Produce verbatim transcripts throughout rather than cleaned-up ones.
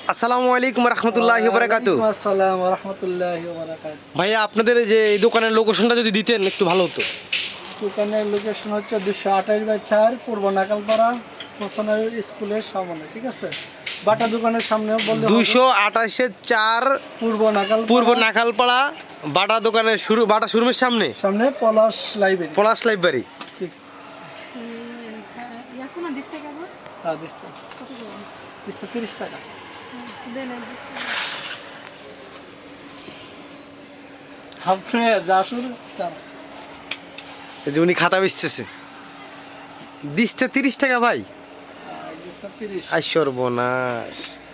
আসসালামু আলাইকুম রহমতুল্লাহি ওয়া বারাকাতুহু। আসসালাম ওয়া রাহমাতুল্লাহি ওয়া বারাকাতুহু। ভাইয়া আপনাদের যে এই দোকানের লোকেশনটা যদি দিতেন একটু ভালো হতো। দোকানের লোকেশন হচ্ছে দুশো আঠাশ বাই চার পূর্ব নাকালপাড়া হোসেনের স্কুলের সামনে, ঠিক আছে? বাটা দোকানের সামনে বললে হবে। দুইশো আঠাশে চার পূর্ব নাকাল পূর্ব নাখালপাড়া বাটা দোকানের শুরু বাটা শোরুমের সামনে সামনে পলাশ লাইব্রেরি। পলাশ লাইব্রেরি। ঠিক। Yasin na diste kagus? হ্যাঁ, দিস্তা Kото ko? দিস্তা তিরিশ টাকা। Dene diste. আপনি যা শুরু তার এই যে উনি খাতা বেচতেছে, দিচ্ছে তিরিশ টাকা ভাই। দিস্তা তিরিশ। আই সর্বনাশ।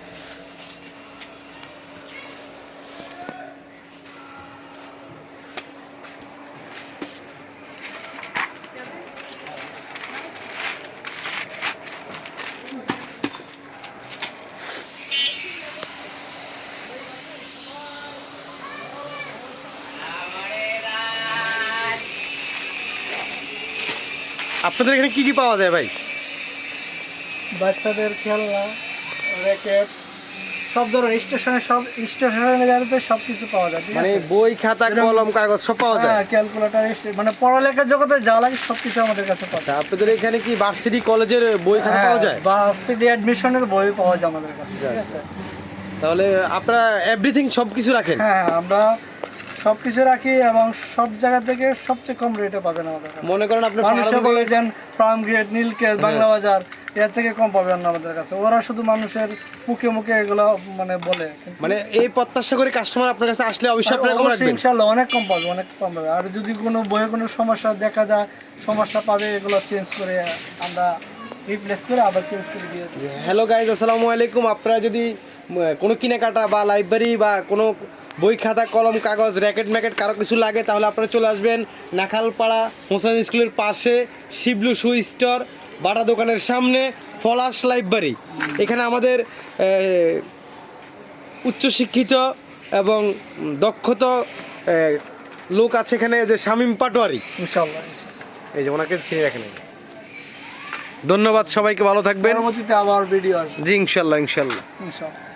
আপনাদের এখানে কি কি পাওয়া যায় ভাই? বাচ্চাদের খেলনা, র্যাকেট, সব ধরনের স্টেশনে সব স্টেশনারি গাড়িতে সব কিছু পাওয়া যায়, ঠিক মানে আছে? বই খাতা কলম কাগজ সব পাওয়া যায়। হ্যাঁ, ক্যালকুলেটর, মানে পড়ালেখার জগতে যা লাগে সব কিছু আমাদের কাছে পাওয়া আচ্ছা, যায়। আপনাদের এখানে কি ভার্সিটি কলেজের বই খাতা পাওয়া যায়? বা সিডি অ্যাডমিশনের বই পাওয়া যায় আমাদের কাছে, ঠিক আছে? তাহলে আপনারা এভরিথিং সব কিছু রাখেন? হ্যাঁ, আমরা সব কিছু রাখি এবং সব জায়গা থেকে সবচেয়ে কম রেটে পাবেন আমাদের কাছে। মনে করেন আপনি মানুষে ফার্ম বলে গেট- যেন ফার্ম গ্রেড, নীলকেশ, বাংলা বাজার এর থেকে কম পাবেন না আমাদের কাছে। ওরা শুধু মানুষের মুখে মুখে এগুলো মানে বলে, কিন্তু মানে এই প্রত্যাশা করে কাস্টমার আপনার কাছে আসলে অবশ্যই আপনারা কম অবশ্যই রাখবেন। ইনশাআল্লাহ অনেক কম পাবে, অনেক কম পাবে। আর যদি কোনো বইয়ে কোনো সমস্যা দেখা যায়, সমস্যা পাবে, এগুলো চেঞ্জ করে আমরা রিপ্লেস করে আবার চেঞ্জ করে দিয়ে দিই। হ্যালো গাইজ, আসসালামু আলাইকুম। আপনারা যদি উম, কোনো কেনাকাটা বা লাইব্রেরি বা কোনো বই খাতা কলম কাগজ র্যাকেট ম্যাকেট কারো কিছু লাগে তাহলে আপনারা চলে আসবেন নাখালপাড়া হোসেন স্কুলের পাশে শিবলু শু স্টোর বাটা দোকানের সামনে পলাশ লাইব্রেরি। এখানে আমাদের এ, উচ্চশিক্ষিত এবং দক্ষত এ, লোক আছে এখানে, যে শামীম পাটোয়ারি। ইনশাআল্লাহ এই যে ওনাকে চিনে রাখেন। ধন্যবাদ, সবাইকে ভালো থাকবেন। পরবর্তীতে আবার ভিডিও আসবে জি ইনশাল্লাহ ইনশাল্লাহ। ইনশাআল্লাহ।